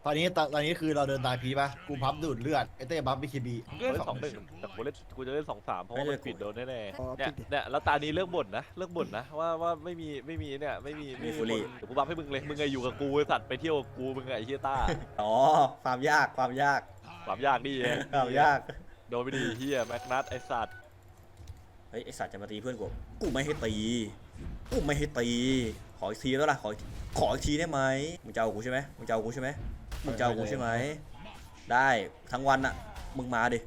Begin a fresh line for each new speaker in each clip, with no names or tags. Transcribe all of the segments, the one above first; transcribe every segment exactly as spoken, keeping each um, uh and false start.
ตอนนี้ตอนนี้คือเราเดินตายพีป่ะกูพับดูดเลือดไอเต้บัฟบีคีบี
กูเล่นสองหนึ่งแต่กูเล่นกูจะเล่นสองสามเพราะว่ามันปิดโดนแน่
อ๋อ
ๆเนี่ย
ปิดดิ
เนี่ยแล้วตานี้เลิกบ่นนะเลิกบ่นนะว่าว่าไม่มีไม่มีเนี่ยไม่มีไม่มีคนเดี๋ยวกูบัฟให้มึงเลยมึงไงอยู่กับกูไอ้สัตว์ไปเที่ยวกับกูมึงไงไอ้เฮียต้า
อ๋อความยากความยาก
ความยากนี่เอง
ความยาก
โดนไปดีเฮียแม็กนัทไอ้สัตว์
เฮ้ยไอสัตว์จะมาตีเพื่อนกูกูไม่ให้ตีกูไม่ให้ตีขออีกทีแล้วล่ะขอขออีกทีได้ไหมมึงจะเอากูใช่ไหมมึงจะเอากูใช่ไหมมึงจะเอากูใช่ไหมได้ทั้งวันอะมึงมาดิ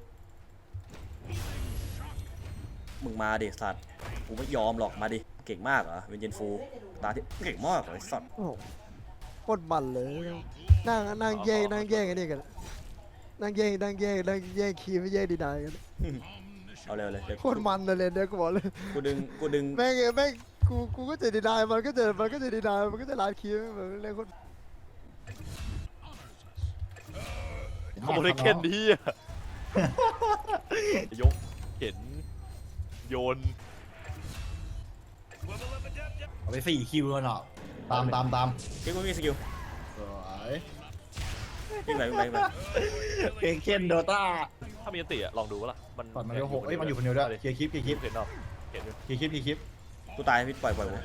มึงมาดิสัตว์กูไม่ยอมหรอกมาดิเก่งมากเหรอเวนเจนฟูตาที่เก่งมากเลยสัตว์
โอ้โหโคตรมันเลยนั่งนั่งแย่งนั่งแย่งกันนี่กันนั่งแย่งนั่งแย่งนั่งแย่งคีย์ไม่แย่งดีนายกัน
เอาเร็วเลยเดี๋ยว
โคตรมันเลยเนี่ยกูบอกเลย
กูดึงกูดึง
แม่งแม่งกูกูก็จะดีนายมันก็จะมันก็จะดีนายมันก็จะลาดคีย์เหมือนเล่นคน
ขโมยเข็นดีอะยกเข็นโยน
เอาไปสี่คิวแล้วเนาะตามตามตาม
ที่กูมีสกิล
สวย
วิ่งไปวิ่งไปวิ่งไป
เพลงเคนโดต้า
ถ้ามีอันติอะลองดูวะล่ะมัน
ก่อนมันเร็วหกเอ้ยมันอยู่คนเดียวด้วยเคลียร์คลิปเคลียร์คลิป
เห็นเนาะเห็นอยู่
เคลียร์คลิปเคลียร์คลิป
กูตายพี่ปล่อยปล่อยกู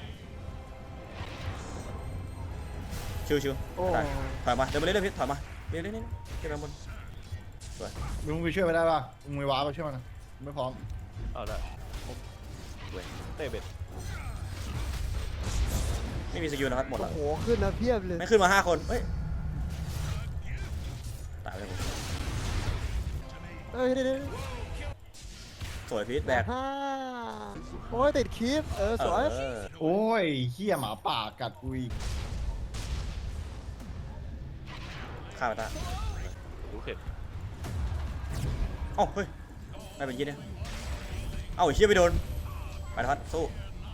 ชิวชิว
โอ้
ตายถอยมาเดี๋ยวมาเรื่อยๆพี่ถอยมาเรื่อยๆเรื่อยๆขึ้นมาบน
มึงไปช่วยไม่ได้ป่ะมึงไม่ว้าไปช่วยมันนะไม่พร้อม
เอาละเว้ยเตะเบ็ด
ไม่มีสกิลนะครับหมด
โอ้
แล้ว
โหขึ้นนะเพียบเลย
ไม่ขึ้นมาห้าคนเฮ้ยตายไปเลย
เอ้ยเดี๋ยว
สวยพีทแบก
ฮ่าโอ้ยติดคีย์เออสวย
เออ
โอ้ยเหี้ยหมาป่ากัดกูอีก
ฆ่าไปตา
ดูเข็น
เอ้าเฮ้ยไม่เป็นยี่เนี่ยเอ้าไอ้เชี่ยไปโดนไปทัดสู้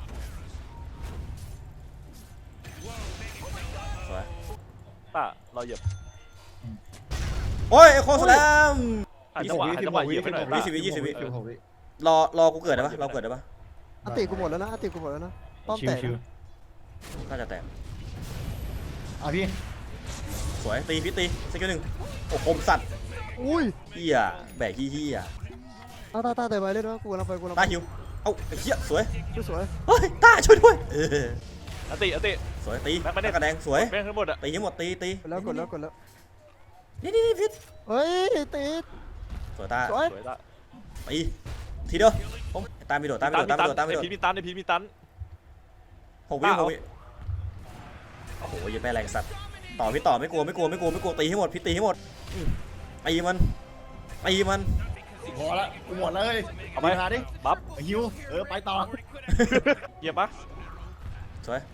สวย
ต้าเราเหยียบ
โอ้ยไอ้โคสแลม
หันจังหวะหันจังหวะเหยียบไปหน่อย
ยี่สิบวิยี่สิบวิ
ยี่สิบหกวิ
รอรอกูเกิดได้ปะรอเกิดได้ปะ
อันติกูหมดแล้วนะอันติกูหมดแล้วนะป้อม
ชิ
แต
ว
ก
ชิว
น่าจะแตก
อ่ะพี่
สวยตีพีทตีสกิลหนึ่งโอ้คมสัตว์
อุ้ย
เฮียแบกเฮีย
ตาตาตาแต่ไปเลยนะกูกำลังไปกูกำลัง
ตา
ไป
หิวเอ้าไอ้เหี้ยสวย
สวย
เฮ้ยตาช่วยด้วยเออ
อันติอันติ
สวยตี
แม็กไม่ได้
กระแดงสวย
แม่งทั้งหมดอะ
ตีให้หมดตีตี
กดแล้วกดแล้วกดแล้ว
นี่นี่นี่พิษ
เฮ้ยติด
สวยตา
สวย
สวยต้า
ตีทีเดียวผมตามไปโดดตามไปโดดตามไปโดดตามไป
ไอ
โดด
พีมีตันไอพีมีตัน
หกวิ
ตา
ห
เอา
กวิโอ้โหยังไปแรงสัตว์ต่อพี่ต่อไม่กลัวไม่กลัวไม่กลัวไม่กลัวตีให้หมดพี่ตีให้หมดอืมตีมันตีมัน
พอละกูหมดเลย
เอาไป
มาดิ
บัฟ
ฮิวเออไปต่อ
เหยียบปะ
สวย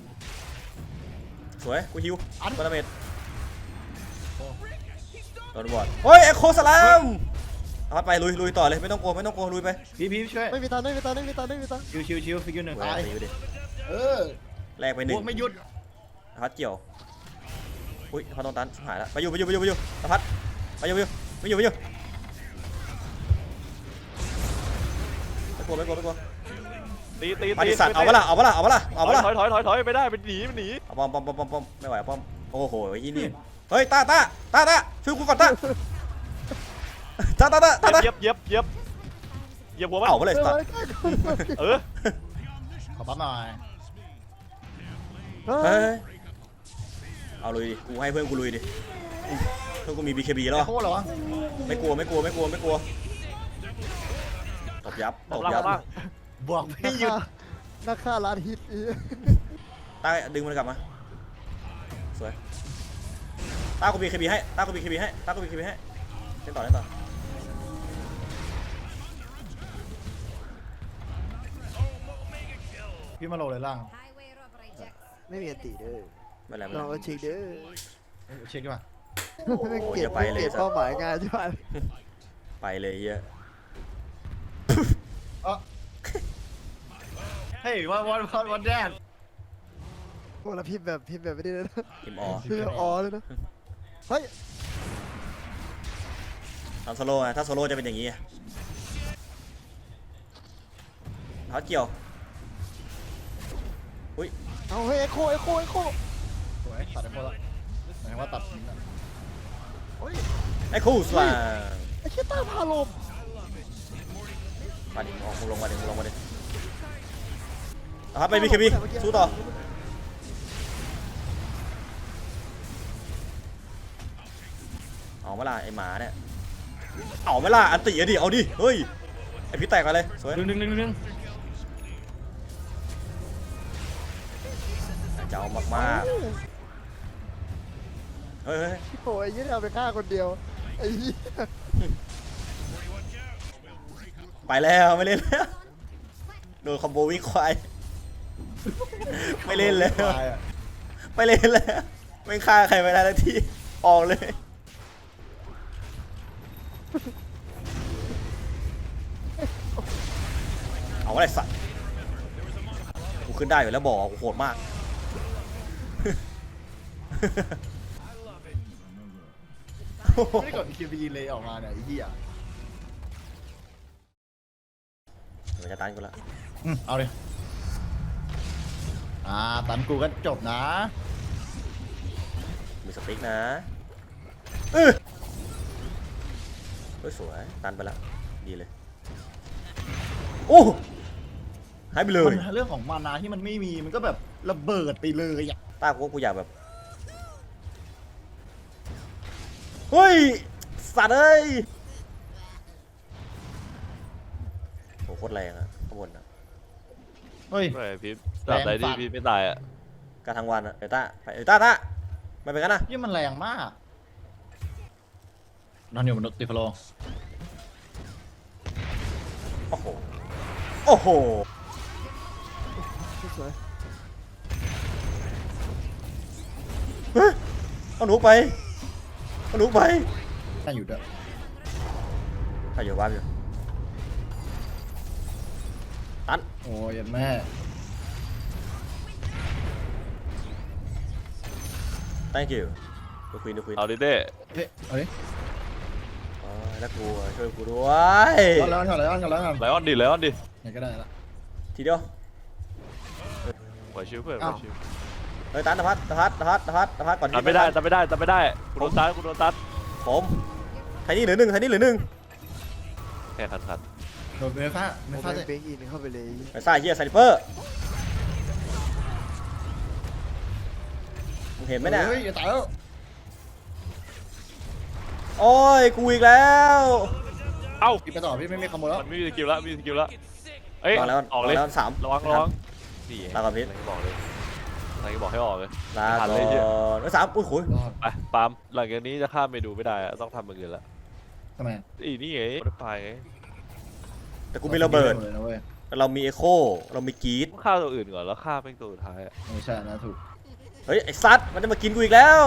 สวยกูฮิวอันบาราเมดโดนบอดเฮ้ยเอ็กโคสลามเอาไปลุยลุยต่อเลยไม่ต้องกลัวไม่ต้องกลัวลุยไป
พี่พี่ช่วย
ไม่มีตันไม่มีตันไม่มีตันไม่มีตัน
ชิวชิวชิวฟิกยูหนึ่งตาย
ตีไปดิ
เออ
แลกไปห
พ
นึ่ง
วกไม่หยุด
พัดเกี่ยวอุ้ยพัดโดนตันชิบหายแล้วไปอยู่ไปอยู่ไปอยู่ไปอยู่ตะพัดไปอยู่ไปอยู่ไปอยู่ไปอยู่ไม่กลัวไม่กลัวไม่กลัว
ตีตี
มา
ตี
ดิสัตว์เอาปะล่ะเอาปะล่ะเอาปะล่ะเอาปะล่ะ
ถอยถอยถอยถอยไม่ได้มันหนีมันหนี
เอาป้อมป้อมป้อมป้อมป้อมไม่ไหวป้อมโอ้โหยี่นี่เฮ้ยตาตาตาตาช่วยกูก่อนตาตาตาตาตาตา
เหยียบเหยียบเหยียบเหยียบหัวมัน
เอาไปเลยสัตว์
เออ
ขอปั๊บหน่อย
เฮ้
เฮ้
ย
ยเอาลุยดิกูให้เพื่อนกูลุยดิเพื่อนกูมี บี เค บี แล้ว
ไอ้โคตรเหรอวะ
ไม่กลัวไม่กลัวไม่กลัวไม่กลัวตบยับตบ
ล่าง
ยับ
ล่าง
บวกไม่หยุด
นักฆ่าร้านฮิตอี
ตาดึงมันกลับมาสวยตากู บี เค บี ให้ตากู บี เค บี ให้ตากู บี เค บี ให้เล่นต่อเล่นต่อ
พี่มาโหลเลยล่าง
ไม่มีอันติเด้อ
ไม่เป็นไรไม่
เรา
เป็นไร
เอาชิงเด้อ
เช็คดีกว่า
ไม่เก็บไม่เก็บเป้าหมายงานใช่ไหม
ไปเลยเฮีย
เฮ้ยวันวันวันวันแดน
พวกเราพิมพ์แบบพิมพ์แบบไม่ได้เลยนะ
ทีมออ
พิมพ์แบบอ๋อเลยนะเฮ้ย
ทำโซโล่ไงถ้าโซโล่จะเป็นอย่างนี้พัดเกี่ยวอุ้ย
เอาเฮ้ยเอ็กโคเอ็กโคเอ็กโค
สวยตัดไอ้โคตรละหมายถึงว่าตัดทิ้งอะ
ไอ้คู่สว่าง
ไอ้เชี่ยต้าพาลม
มาดิออกมึงลงมาดิมึงลงมาดิเอาครับไปบีเคบีสู้ต่อเอาเวลาไอ้หมาเนี่ยเอาเวลาอันติอะดิเอาดิเฮ้ยไอพี่แตกอะไรสวย
หนึ่งหนึ่งหนึ่งหนึ่ง
จะเอามากๆเฮ้ยเฮ้ย
โอ้ยไอ้เหี้ยเอาไปฆ่าคนเดียวไอ้เหี้ย
ไปแล้วไม่เล่นแล้วโดนคอมโบวิ่งควายไม่เล่นแล้ว
ตายอะ
ไม่เล่นแล้วไม่ฆ่าใครไม่ได้ทันทีออกเลยเอาอะไรสัตว์กูขึ้นได้อยู่แล้วบอกกูโหดมาก
ไม่ได้กด อี เค บี เลยออกมาเนี่ยไอ้เหี้ย
มันจะตันกูละ
อืมเอาเลยอ่าตันกูก็จบนะ
มีสติ๊กนะเออเฮ้ยสวยตันไปละดีเลยโอ้หายไปเลย
มันเรื่องของมานาที่มันไม่มีมันก็แบบระเบิดไปเลยอ่ะ
ต้ากูว่ากูอยากแบบเฮ้ยสัตว์เอ้ยโหโคตรแรงอะข้างบนอะ
เฮ้ย
ไม่พี่ตราบใดที่พี่ไม่ตายอ่ะ
การทั้งวันอะเอต้าไปเอต้าต้าไม่เป็นกันนะ
นี่มันแรงมากนอนอยู่บนรถติฟโล
โอ้โหโอ้โห
สวย
เฮ้ยเอาหนูไปเอาหนูไป
น่าอยู่ด้วย
ใครอยู่บ้านอยู่ตัน
โอ้ยแม่
thank you ดูควีนดูควีน
เอาดิเต้
เฮ้ยเอาดิ
อ๋อแล้วกูอะช่วยกูด้วย
เอาแล้วเอาแล้วเอาแล้วเอา
ไล
แล้ว
ออนดิไลออนดิ
ไหนก็ได้ละ
ทีเดียว
ปล่อยชิวเพื่อนปล่อยชิว
เฮ้ยตันตะพัดตะพัดตะพัดตะพัดตะพัดก่อน
ตัดไม่ได้ตัดไม่ได้ตัดไม่ได้กูโดนตัดกูโดนตัด
ผมไทนี่เหลือหนึ่งไทนี่เหลือหนึ่ง
แค่ขัดขัด
โดนเมฟ้าเม
โอ้
ฟ้า
แม่
จะ
งเป้งอินเข้าไปเลย
ไอ้ซ่าเฮียไซเปอร์มึงเห็นไหมเนี่ย
เฮ้ยอย่าตายแล้ว
โอ้ยกูอีกแล้ว
เอ้า
กินไปต่อพี่ไม่มีขโมยแล้ว
มันไม่มีสกิลละไม่มีสกิลละเอ้ย
ลองแล้ว
ออกเลย
แล้วสาม
ระวังระวังนี่
ลาก่อนพิษ
อะไรก็บอกเลยอะไรก็บอกให้ออกเลย
ลา
ทัน
ก่
เลยเหี้ย
อนเอ้ยสามอุ้ยโหย
รอด
ไปปาล์มหลังจากนี้จะข้ามเมนูไม่ได้อะต้องทำอย่างอื่นละ
ทำไม
อีนี่ไงรถไฟไง
แต่กูมีระเบิด
เลยนะเว้ย
แต่เรามีเอโคเรามีกรีด
ต้องฆ่าตัวอื่นก่อนแล้วฆ่าเป็นตัวสุดท้ายอะ
ไม่ใช่นะถูก
เฮ้ยไอ้ซัดมันจะมากินกูอีกแล้ว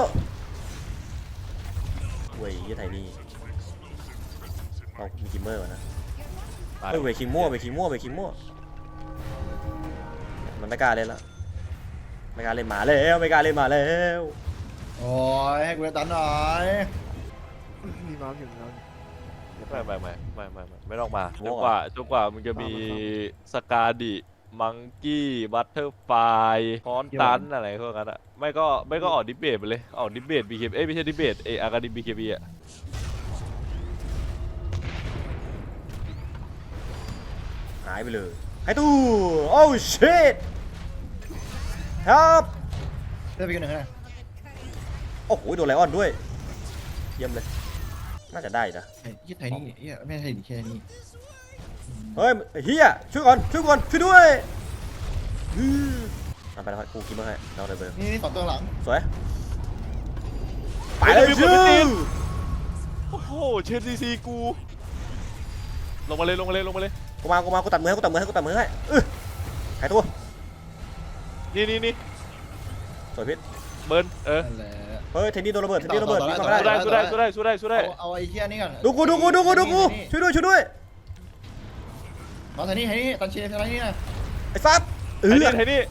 เว้ยยี่ไทนี่เรามีกิมเมอร์ก่อนนะ
ตาย
เฮ้ยเวคิงมั่วเวคิงมั่วเวคิงมั่วมันไม่กล้าเล่นแล้วไม่กล้าเล่นหมาแล้วไม่กล้าเล่นหมาแล้ว
โอ้ยให้กูได้ตันหน่อย
มีม้าอยู่แล้ว
ไม่ไม่ไม่ไม่ไม่ไม่ไม่ต้องมาจนกว่าจนกว่ามึงจะมีสกาดิมังกี้บัตเตอร์ไฟคอนตันอะไรพวกนั้นอะไม่ก็ไม่ก็ออกดิเบตไปเลยออกดิเบตบีเคเอ้ยไม่ใช่ดิเบตเออากาดิบีเคบีอะ
หายไปเลยไอ้ตู้โอ้ชิตครับ
ได้ไปกันหนึ่งนะ
โอ้โหโดนไลออนด้วยเยี่ยมเลยน่าจะได้นะ
ไอ้ยี่ไทยนี่เฮียไม่ใช่ดิแค่นี้
เฮ้ยไอ้เฮียช่วยก่อนช่วยก่อนช่วยด้วยอือเอาไปแล้วครับกูกินมาให้เราเลยเบอร์
นี่นี่สองตัวหลัง
สวยไปเลยชื่อ
โอ้โหเชนซีซีกูลงมาเลยลงมาเลยลงมาเลย
กูมากูมากูตัดมือให้กูตัดมือให้กูตัดมือให้เออหายตัว
นี่นี่นี่
สวยพิษ
เบิร์นเออ
นั่นแหละ
เฮ้ยเทนนี่โดนระเบิดเทนนี่โดนระเบิด
ต่อ
วิ่ง
ต่อ
เข้าไม่ได้
สู้ได้สู้ได้สู้ได้สู้ได้สู้ได้
เอาเอาไอ้เฮียนี่ก่อน
ดูกูดูกูดูกูดูกูช่วยด้วยช่วยด้วย
น้องไทยนี่ไทยนี่ตันเชียร์ไทยนี่นะ
ไอ้ซับเอ
ไอ้
อ
นี่ไอ้นี่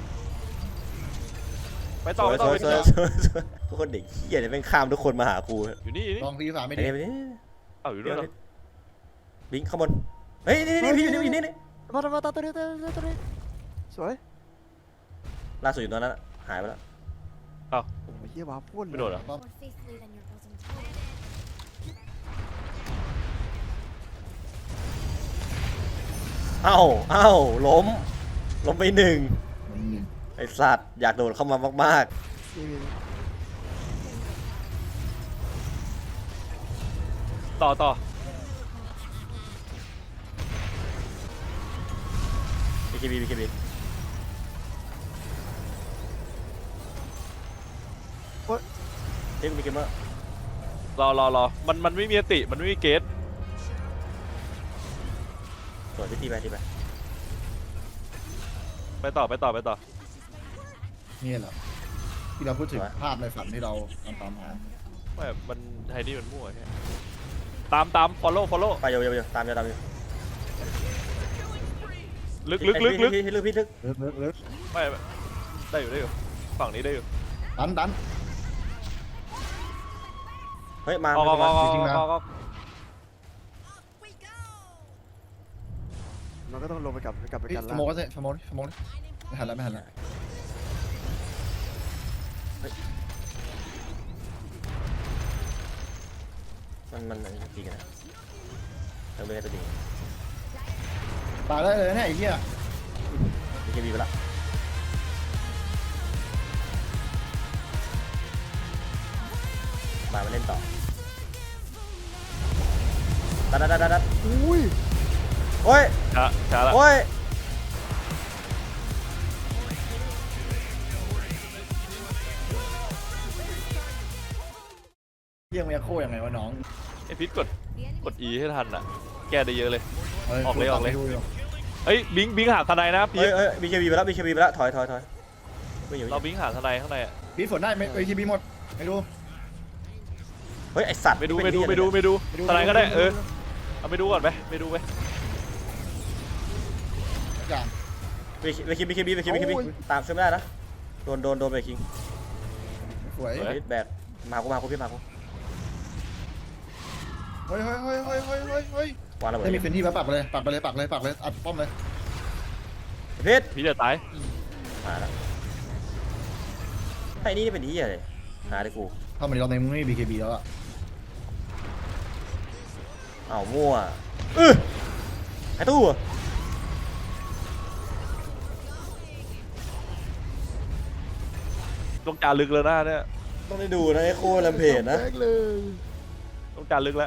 ไปต่อไปต่อไป
ส
ต่
วย
อ
สวยสวยทุกคนเด็กเหี้ยเนี่ยแม่งข้ามทุกคนมาหากู
อยู่นี่อยู่นี่
ลองซีสามไม่
ไอ้
ดี
เนี่ยไปนี่
เอ้าอยู่ด้วยเหรอ
บิงข้างบนเฮ้ยนี่นี่พี่อยู่นี่อยู่นี่นี่
มามาตาตัวนี้ตัวนี้ตัวนี้สวย
ล่าสุดอยู่ตอนนั้นหายไปแล้ว
เอ้า
โอ้ยเฮียว้าพุ่น
ไม่โดนเหรอ
More faithfully than your bosom told.
เอ้าเอ้าล้มล้มไปหนึ่ง
อืม
ไอสัตว์อยากโดดเข้ามามาก
นี่นี่
ต่อต่อ
ๆ บี เค บี บี เค บี เฮ้ยมีเกมเมอร์
รอรอรอมันมันไม่มีอติมันไม่มีเกต
สวยพี่ตีไปตีไป
ไปต่อไปต่อไปต่อ
นี่เหรอที่เราพูดถึงภาพในฝันที่เราตามตามหา
ไม่มันไทนี่มันมั่วแค่ตามตาม follow follow
ไปเร็วเร็วเร็วตามเร็วตามเร็ว
ลึกลึกลึกลึก
พี่ลึกพี่ลึก
เลิกเลิกเลิก
ไม่ไม่ได้อยู่ได้อยู่ฝั่งนี้ได้อยู่
ดันดัน
เฮ้ยมา
ออกออกออกออก
จริงๆนะ
ออกออก
มันก็ต้องลงไปกลับกลับไป
เฮ้ย
กัน
ส
ละ
โมกก็ได้สโมกสโมกไม่หันแล้วไม่หันแล้ว
มันมันมันตีกันนะเราเลยตัวดี
ตายได้เลยนะไอ้เหี้ย
บี เค บีไปละมามาเล่นต่อดัดดัดดัดดัดดัด
อุ้ย
โอ้ย
ช้าช้าละ
โอ้ย
เหี้ยมันจะโค้ยังไงวะน้อง
ไอพิษกดกด E ให้ทันอ่ะแก้ได้เยอะเลย
ฮ้
ออกเลยออกเลย
ดูดู
เฮ้ยบิงบิงหาทนายนะพี
เฮ้ย
ท
เฮ้ยบี เค บีไปแล้ว บี เค บีไปแล้วถอยถอยถอยไม่อยู่
เราบิงหาทนายข้างในอะ
พี่ฝนได้ไหมเอ้ยทีบีหมดไม่ดู
เฮ้ยไอสัตว์
ไปดูไปดูไปดูไปดูทนายก็ได้เออเอาไปดูก่อนไปไปดูไป
ทุกอย่าง
บี เค บี บี เค บี บี เค บี บี ตามช่วยไม่ได้นะโดนโดนโดนไปคิง
สวย
เฮ้ยแบกมากูมากูพี่มากู
เฮ้ยเฮ้ยเฮ้ยเฮ้ยเฮ้ยเฮ้ยเฮ้ยว
างระเบิด
ไม่มีพื้นที่แล้วปักไปเลยปักไปเลยปักเลยปักเลยอัดป้อมเลย
เพชร
พีทจะตาย
มาแล้วไอ้นี่เป็นที่อะไรหาได้กู
ถ้ามันรอบในมึงไม่มี บี เค บี แล้วอะ
อ้าวมั่วเออไอ้ตู้อะ
ต้องการลึกแล้วนะเนี่ย
ต้องได้ดูนะไอ้โคตรลำเพจนะ
แบกเลย
ต้องการลึกแล้ว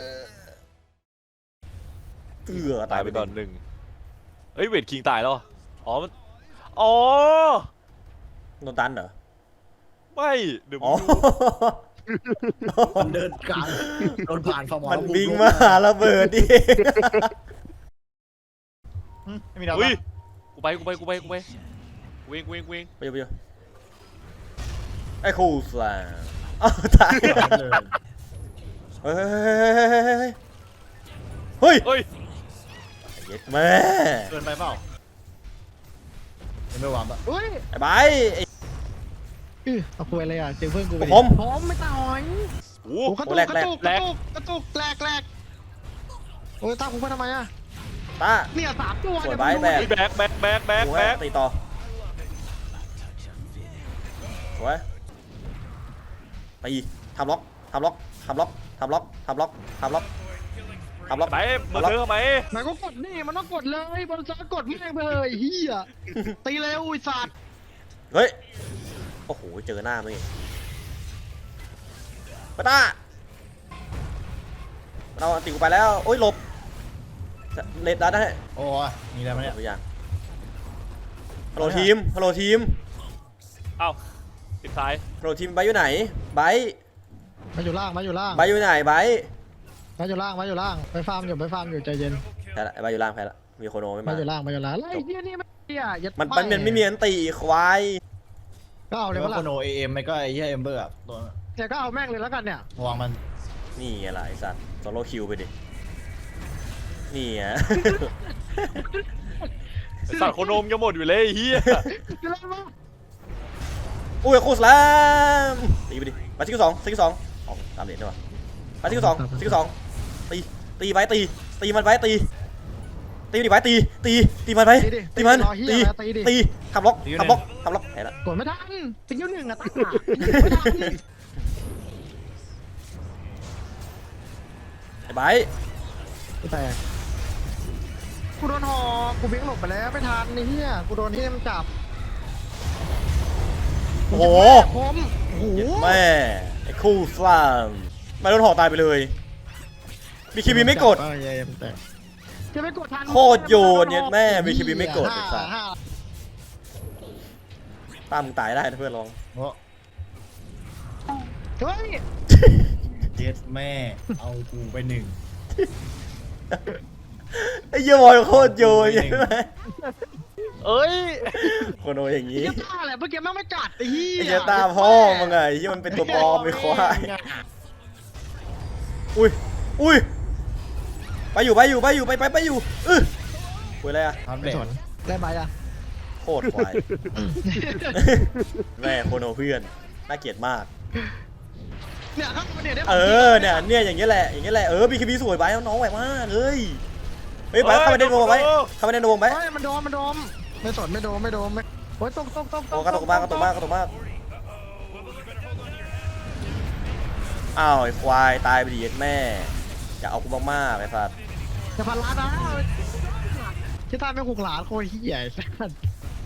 เตือ
ตายไปก่อนหนึ่งเฮ้ยเวทคิงตายแล้วเหรออ๋อมันอ๋อ
โดนตันเหรอ
ไม่เดี๋ยวมึ
อ๋อง
ดู
มันเดินกลางโดนผ่านฟอร์มอล
มันบิงมาหาระเบิดดิ
ไม่มีดาว
อุ้ยกูไปกูไปกูไปกูไปกูเองกูเองกูเอง
ไปอยู่ไปอยู่ไอ้คูสลาอ้าวตาย
เลย
เฮ้ยเฮ้ย
เฮ้ย
เย็ดแม่
เกินไปเปล่ายังไม่วางปะ
เฮ้ย
ไอ้ใบร์ทไอ้
อื้อเอาคุยอะไรอ่ะเจอเพื่อนกูไปดิ
ผม
ผมไม่ต่อย
โอ้
โอ้กระตุก
แรก
กระ
แรก
ตุกกระตุกกระตุกแหลกแหลกโอ้ยตามผมไปทำไมอ่ะ
ตา
เนี่ยสามตัว
สวย
เนี่ย
ไบร์ท
มึง
แบ
ดู
ยแบกแบกแบกแบก
สว
แบ
ย
ก
ตีต่อสวยตีทำล็อกทำล็อกทำล็อกทำล็อกทำล็อกทำล็อกทำล็อก
ไหนมือเธอไหม
มันก็กดนี่มันต้องกดเลยบอลซ้ายกดแม่งไปเลยเฮียตีเร็วไอ้สัตว์
เฮ้ย โอ้โห เจอหน้ามึงอีกปะต้ามันเอาอันติกูไปแล้ว โอ้ยหลบเลดดัดได้
โอ้ยมีอะไรมาเนี่ย
ตัวอย่างฮัลโหลทีม ฮัลโหลทีม
เอ้าติดซ้าย
ฮัลโหลทีมไบร์ทอยู่ไหนไบร์ท
มาอยู่ล่างมาอยู่ล่าง
ไบร์ทอยู่ไหนไบร์ท
มาอยู่ล่างมาอยู่ล่างไปฟาร์มอยู่ไปฟาร์มอยู่ใจเย็น
แพ้ละไอ้ไบร์ทอยู่ล่างแพ้ละ มีโคโนไม่
มา
มา
อยู่ล่างมาอยู่ล่างไอ้เฮียนี่ไม่เฮียยัด
มันมันมันไม่มีอันติควาย
ก็เอาเลย
เรียก
เมื่
ว่า
อ
โคโนเอ็มไม่ก็ไอ้เหี้ยเอมเบอร์อะตัว
เนี่ยก็เอาแม่งเลยแล้วกันเนี่ย
วางมัน
นี่ไงล่ะไอ้สัตว์โซโล่คิวไปดิ นี่ไง
ไอ้สัตว์โคโนมจะหมดอยู่เลยไอ้เฮีย
จะเล่นมั้ย
อุ้ยโคสแลมตีไปดิมาซิกสองซิกสองออกตามเด็ดด้วยวะมาซิกสองซิกสองตีตีไปตีตีมันไปตีตีมันดิไปตีตีตีมันไปตีมันตีตีทำล็อกทำล็อกทำล็อกแพ้ละ
กดไม่ทันติ๊กยิ้วหนึ่งอะตั้งหาไม่ทัน
ไอ้ไบร์ท
แต่กูโดนหอกกูวิ่งหลบไปแล้วไม่ทันไอ้เหี้ยกูโดนที่มันจับ
โอ้โห
ผมโอ้โห
แม่ไอ้คู่สลามมาโดนหอกตายไปเลยบีคีบีไม่กด
จะไม่กดทัน
โคตรโยนเนี่ยแม่บีคีบีไม่กดไอ้สัส
ห้า
ตามมึงตายได้นะเพื่อนลอง
เพราะ
เฮ้ย
เจ็ดแม่เอากูไปหนึ่ง
ไอ้เหี้ยบอยโคตรโยนใช่ไหม
เอ้ย
คนโออย่างงี้
ไอ้เหี้ยตาแหละเมื่อกี้แม่งไม่กัดไอ้เหี้ย
ไอ้เหี้ยตาพ่อมึงไงไอ้เหี้ยมันเป็นตัวปลอมไม่ควายอุ้ยอุ้ยไปอยู่ไปอยู่ไปอยู่ไปไปไปอยู่อื้อคุยอะไรอะ
ทันเบ
ไม่
ร
สนได้ไหมอะ
โคตรควายแม่โคนโอเพื่อนน่าเกลียดมาก
เนี่ยครับเนี่ยได้
เออเนี่ยเนี่ยอย่างเงี้ยแหละอย่างเงี้ยแหละเออบีคีบีสวยไปน้องไหวมากเลยเฮ้ยไปเข้าไปในโดมไว้เข้าไปในโดมไว้
เฮ้ยมันโดมมันโดมไม่สนไม่โดมไม่โดมไม่โอ้ยตกตกตก
โอ้กระตุกมากกระตุกมากกระตุกมากอ้าวไอ้ควายตายไปดิเย็ดแม่อย่าเอากูมากๆไอ้สัส
จะพันล้านนะที่ตายไม่หกล้านโคตรเหี้ยไอ้สัส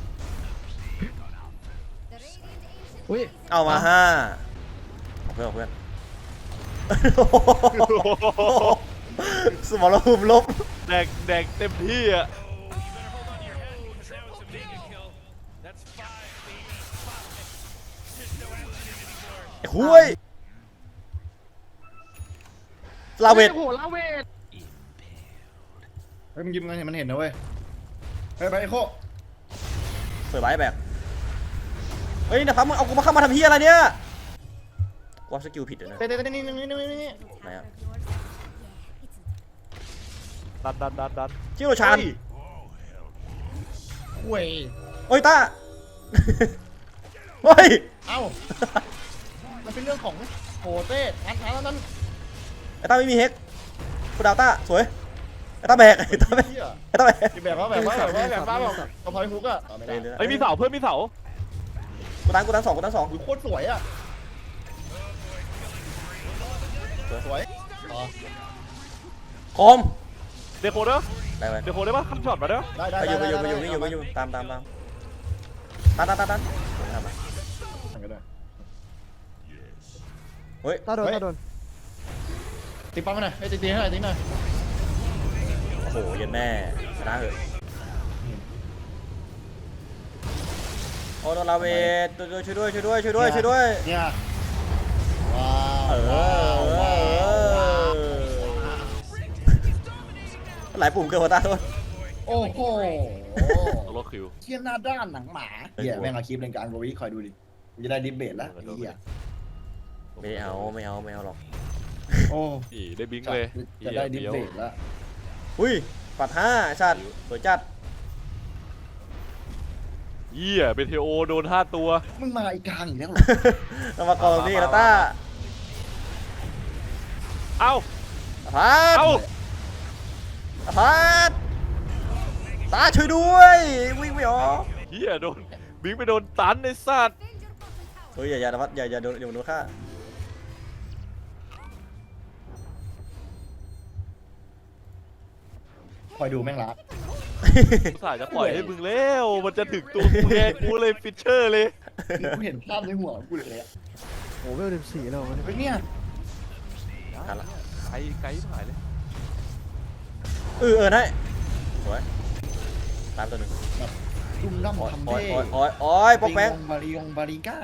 อุ้ย
เอามาห้าเอาเพื่อนเอาเพื่อนสมรภูมิลบ
แดกแดกเต็มที่อ่ะ
ไอ้คุยลาเวท
โอ้โหลาเวท
เฮ้ยมึงยิ้มกันเห็นมันเห็นนะเว้ยเฮ้ยไปไอ้โค
เปิดไว้แบบเฮ้ยนะครับมึงเอากูมาเข้ามาทำเฮียอะไรเนี่ยว่าสกิลผิดเลยนะ
เต้เต้เต้นี่นี่นี่นี่นี่
ไหนอะ
ดันดันดันดัน
ชิโรชาน
เว้ย
โอ้ยต้าเฮ้ย
เอ้ามันเป็นเรื่องของโหเต้ทันทันแล้วนั้น
ไอ้ต้าไม่มีเฮกกูดาวต้าสวยไอ้ต้าแบกไอ้ต้าแบก
เหี้ย
ไอ้ต้าแบก
แบบว่าแบบว่าแบบว่าแบบว่าแบบกระเพาะฮุกอะต่อไม่ได้
เฮ้ยมีเสาเพื่อนมีเสา
กูตันกูตันสองกูตันสอง
โคตรสวยอะสวยอ๋อ
คอม
เดโคเด้อ
ได้ไหม
เดโคได้ปะคัมช็อตมาเด้อ
ได้ได้
ไปอยู่ไป
ได้
อยู่ไปอยู่ไปอยู่ไปอยู่ตามตามตามตันตันตันตันทำไม เฮ้ย
ตาโดนตาโดน
ตีปั๊มมาหน่อยให้ตีตีให้หน่อยตีหน่อย
โอ้โหเย็นแม่ชนะเหอะโอ้โดนลาเวทช่วยด้วยช่วยด้วยช่วยด้วยช่วยด้วย
เนี่ยว้า
เอ
ว
อ
ว้าวว้าว
หลายปุ่มเกินหัวตาโทษ
โอ้โห
โลคิว
เทียนหน้าด้านหนังหมาเหี้ยแม่งเอาคลิปเล่นการโกวิคอยดูดิกูจะได้ดิบเบตแล้วไอ้เหี้ย
ไม่เอาไม่เอาไม่เอาหรอก
โอ้
อีได้บิงเลย
จะได้ดิบเบตแล้ว
อุ้ยปัดห้าไอ้สัตว์สวยจัด
เยี่ยเป็นเทโอโดนห้าตัว
มึงมาอีกกลางอีกแล้วเหรอ
เรามากองนี่แล้วต้า
เอ้า
พัด
เอ้า
พัดตาช่วยด้วยวิ่งไม่ออก
เยี่ยโดนบิงไปโดนตันในสัตว์
เฮ้ยอย่าอย่าพัดอย่าอย่าโดนอย่าโดนฆ่า
คอยดูแม่งรัก
อุตส่าห์จะปล่อยให้มึงแล้วมันจะถึงตัวกูแน่กูเลยฟิชเชอร์เลย
กูเห็นภาพในหัวกูเลยอะ
โอ้โหเวลสิบสี่แล้วมัน
เฮ้ยเนี่ย
ทันละ
ไกลไกลหายเลย
เออเออได้สวยตามตัวหนึ่ง
ดุมดั้ม
โอ้ย
ทำ
โอ้ย
เท่
โอ้ยโอ้ยโอ้ยปอกแป๊ก
บาริยงบาริก้า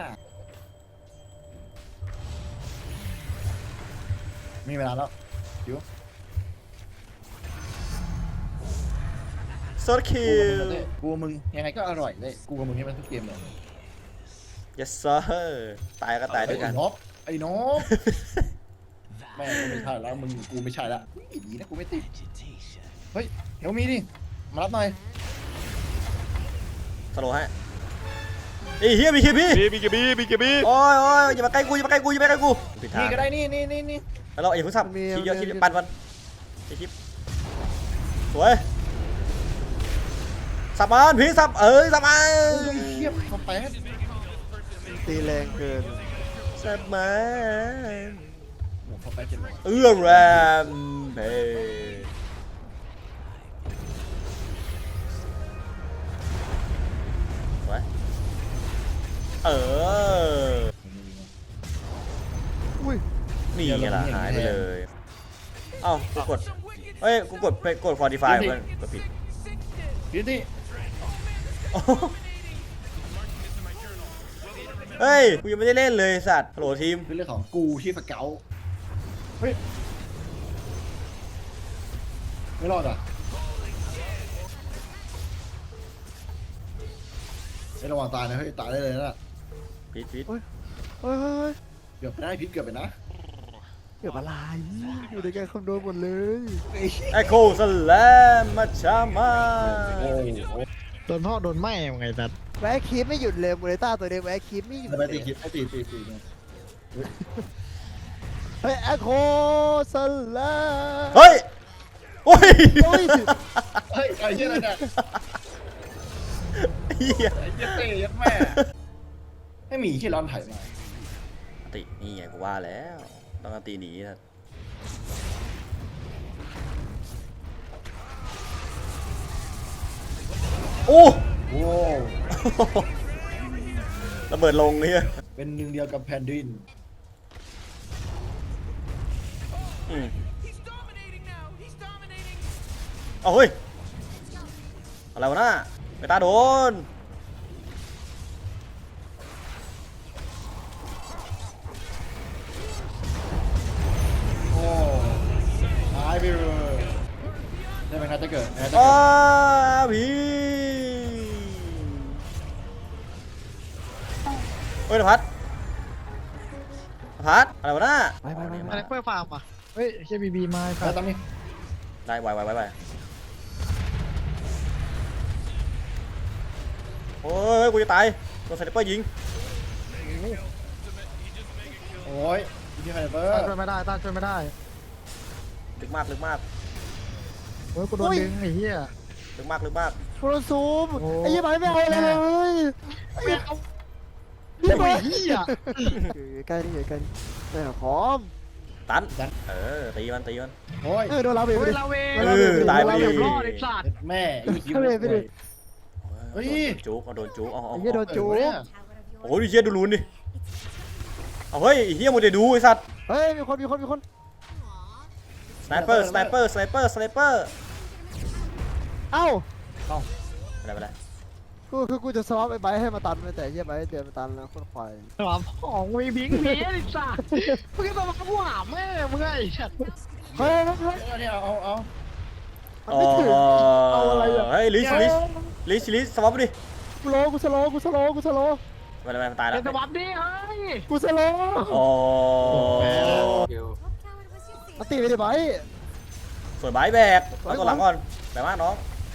มีเวลาแล้ว
โซดคิว
กูกับมึงยังไงก็อร่อยเลยกูกับมึงให้มันทุกเกมเลย
yes sir ตายก็ตายด้วยกัน
ไอ้นบไอ้นบแม่งกูไม่ใช่แล้วมึงกูไม่ใช่ละอีดีนะกูไม่ติดเฮ้ยเฮลมีดิมารับหน่อย
สโลว์ให้ไอ้เฮียมีคิวพี่
บีบีเกบีบีเกบี
โอ้ยโอ้ยอย่ามาใกล้กูอย่ามาใกล้กูอย่ามาใกล้กูผิดทาง
นี่ก็ได้นี่นี่นี่นี่
แล้วเราอย่าเพิ่งสับคลิปเยอะคลิปปั่นมันคลิปสวยสับมันพี่สับเอ้ยสับมัน
โอ้ยเทียบคอมแพค
ตีแรงเกิน
สับมัน
โอ้คอมแพคเจ็ดร้อย
เอื้อแรมเพเออ
อุ้ย
นี่ไงล่ะหายไปเลยเอ้ากูกดเฮ้ยกูกดไปกดฟอร์ติฟายเพื่อนกดผิด
พี่ที่
เฮ้ยกูยังไม่ได้เล่นเลยสัตว์ฮัลโหลทีม
เป็นเรื่องของกูที่สเกลเฮ้ยไม่รอดอ่ะไม่ระวังตายนะเฮ้ยตายได้เลยนะ
พิษพิษ
เฮ้ยเฮ้ยเฮ้ย
เกือบไปได้พิษเกือบไปนะ
เกือบอะไรอยู่ในการคำนวณหมดเลย
ไอโคสแลมมาชามา
โอ้โห
โดนพ่อโดนแม่ยังไงสัตว์
แวะคีบไม่หยุดเลยมูเลต้าตัวเดียวแวะคีบไม่หยุด
ไป
เล
ตี
ย
คิดไปตีตีตีเนี่ย
เฮ้ยแอคโคสลา
เฮ้ยโอ้ย
โอ้ย
เฮ้ยไอ้เหี้ยอะไรเนี่ย
เหี้ย
ไอ้เหี้ยเตะยัดแม่ไม่มีที่ร้อนไถ่มา
ตินี่ไงกูว่าแล้วต้องตีหนีนะโอ้
โอ้
ระเบิดลงเนี่ย
เป็นหนึ่งเดียวกับแผ่นดิน
อืมเอาเฮ้ยอะไรวะน่าไปตาโดน
โอ้หายไปเลยได้ไหมครับจะเกิดนะจะ
อ้า
เกิด
พีเฮ้ยนภัสนภัสอะไรวะน่า
ไปไปไป
อะไรเพื่อฟาร์มอ่ะเฮ้ยเชบีบีมา
แล้วตั้งนี่
ได้ไวไวไวไวโอ้ยกูจะตายโดนสไนเปอร์ยิง
โอ้ยที่ใครเบอร์
ต้านช่วยไม่ได้ต้านช่วยไม่ได้
ลึกมากลึกมาก
เฮ้ยกูโดนดึงไอ้เหี้ย
ลึกมากลึกมาก
โทรซูม
โอ้
ไอ้ยี่ไปไม่เอาอะไรเลย
ไม่เอา
ยี่ไป
ไอ้เหี้ย
อยู่ใกล้นี่อยู่ใกล้นี่แม่คอม
ตันเออตีมันตีมัน
โอ้ย
เออโดนเราไป
เฮ้
ไป
ย
ดิ
ลาเว
เออตายไปดิ
รอดไอ้สัตว์
แม่ไอ้คิว
เข้าไปไปดิ
เฮ้ย
โดนจุกเอาโดนจุกเอาเอา
ไอ้ยี่โดนจู
โอ้ยเฮียดูรูนดิเอาเฮ้ยเฮียโมเดลดูไอ้สัตว์
เฮ้ยมีคนมีคนมีคน
สไนเปอร์สไนเปอร์สไนเปอร์สไนเปอร์
เอ้า
อะไรไปเลย
กูคือกูจะสวอปไอ้ไบให้มาตันแต่ยี่ไปเดินมาตันแล้วคนควาย
หลามของมีบิงเมียไอ้สัตว์มึงจะมาพูดหาแม่มึงไอ้สัตว์
เฮ้ยเฮ้ย
เอาเนี่ยเอาเอา
มันไม่ถึงเอาอะไรอ่ะ
เฮ้ยลิสลิสลิสลิสสวอปดิ
กูโลกูสโลกูสโลกูสโล
ไปเลยมันตายแล้
เป็
วน
สวัสดีเฮ้ย
กูสโล
โอ้
มาตีไปดิไบ
สวยบายแบกเอาตัวหลังก่อนแบกมากน้อง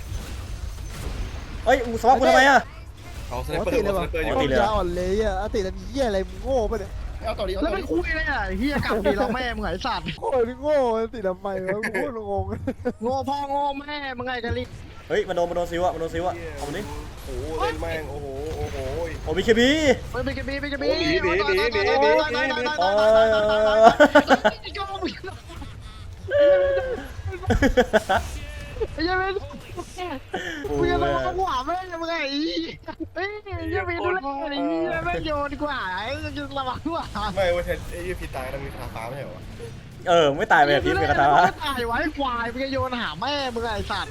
เฮ้ยมึงสวอปกูทำไมอะ
เอาสไน
มา
เปอร์
ตี
อ
เลย
ยู่
วะ
สไนเปอร์อยู่
ตีเลย
ยาอ่อนเลยอ่ะตีแล้วมีเหี้ยอะไรมึงโง่ปะเนี่ย
เอาต่อดีเอา
แล้ว
ต่อ
ไม่
ดี
คุยเลยอ่ะเฮียกลับดีเราแม่มึงไอ้สัตว์
โง่หรือโง่ตีทำไมวะกูโคตรงง
โง่พ่อโง่แม่มึงไงกันลิ
เฮ้ยมันโดนมันโดนซิวอะมันโดนซิวอะเอามันดิ
โอ้โหเล่นแม่ง โอ้โห โอ้โห
โอ้บีเคบี
ไปไปกันบีไปกันบี
โอ้หนีหนีหนีหนีหนีหนี
โอ้ย
ไอ้ยังไม่มึงจะมาหัวแม่ยังไงเฮ้ยยังไม่ดูแลไอ้ยังไม่โยนกว่าไอ้จะระวังหัว
ไม่เว้ยไอ้ยี่พีตายแล้วมีคาฟ้าไม่ใช่เหรอ
เออไม่ตายไปแบบพิษเป็นกระทะ
ตายไว้ควายมึงจะโยนหาแม่มึงไอ้สัตว์